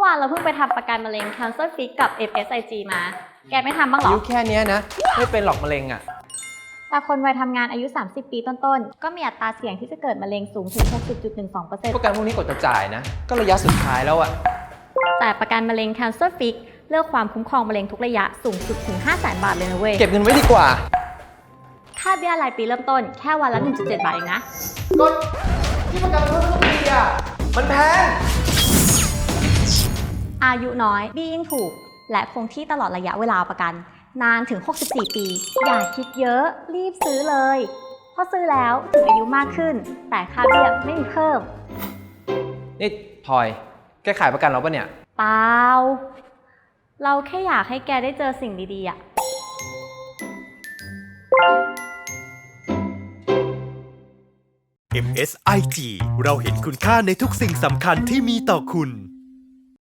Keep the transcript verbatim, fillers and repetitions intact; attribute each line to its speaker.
Speaker 1: วานเราเพิ่งไปทำประกันมะเร็ง Cancer Fix กับ เอฟ เอส ไอ จี มา แกไม่ทำบ้างหรอ
Speaker 2: อายุแค่นี้นะไม่เป็นหรอกมะเร็งอ่ะ
Speaker 1: แต่คนวัยทำงานอายุ สามสิบ ปีต้นๆ ก็มีอัตราเสี่ยงที่จะเกิดมะเร็งสูงถึง หกสิบจุดหนึ่งสองเปอร์เซ็นต์
Speaker 2: ประกันพวกนี้กดจะจ่ายนะก็ระยะสุดท้ายแล้วอ่ะ
Speaker 1: แต่ประกันมะเร็ง Cancer Fix เลือกความคุ้มครองมะเร็งทุกระยะสูงสุดถึง ห้าแสน บาทเลยนะเว้ย
Speaker 2: เก็บเงินไว้ดีกว่า
Speaker 1: ค่าเบี้ยรายปีเริ่มต้นแค่วันละ หนึ่งจุดเจ็ด บาทเองนะ
Speaker 2: ก็ที่ประกันเพิ่มทุกปีอ่ะมันแพง
Speaker 1: อายุน้อยเบี้ยยิ่งถูกและคงที่ตลอดระยะเวลาประกันนานถึง หกสิบสี่ ปี อย่าคิดเยอะรีบซื้อเลยเพราะซื้อแล้วถึงอายุมากขึ้นแต่ค่าเบี้ยไม่มีเพิ่ม
Speaker 2: นี่พลอยแกขายประกันเราปะเนี่ย
Speaker 1: เปล่าเราแค่อยากให้แกได้เจอสิ่งดีๆอะ
Speaker 3: เอ็ม เอส ไอ จี เราเห็นคุณค่าในทุกสิ่งสำคัญที่มีต่อคุณ